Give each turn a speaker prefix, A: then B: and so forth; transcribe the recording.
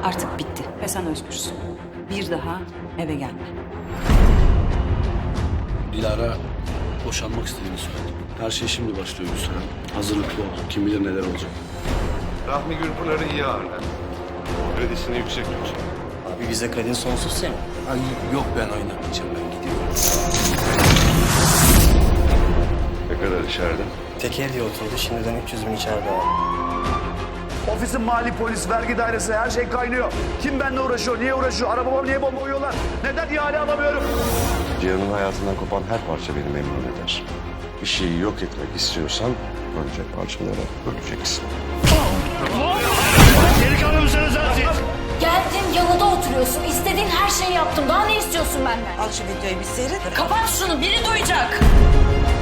A: Artık bitti ve sen özgürsün. Bir daha eve gelme.
B: Dilara boşanmak istediğini söyledi. Her şey şimdi başlıyor Gülseren. Hazırlıklı ol. Kim bilir neler olacak.
C: Rahmi Gürpınar'ı iyi ağırlar. Kredisini yüksek tut.
D: Abi bize kredin sonsuz senin.
B: Ay yok ben oynamayacağım, ben gidiyorum.
C: Ne kadar içeride?
D: Teker diye oturdu, şimdiden 300 bin içeride abi.
E: Ofisin mali, polis, vergi dairesi her şey kaynıyor. Kim benimle uğraşıyor, niye uğraşıyor, arabama niye bomba koyuyorlar? Neden ihale alamıyorum?
C: Cihan'ın hayatından kopan her parça beni memnun eder. Bir şeyi yok etmek istiyorsan önce parçalara böleceksin.
F: Geldin yanında oturuyorsun. İstediğin her şeyi yaptım. Daha ne istiyorsun benden?
G: Al şu videoyu bir seyret.
F: Kapat şunu. Biri duyacak.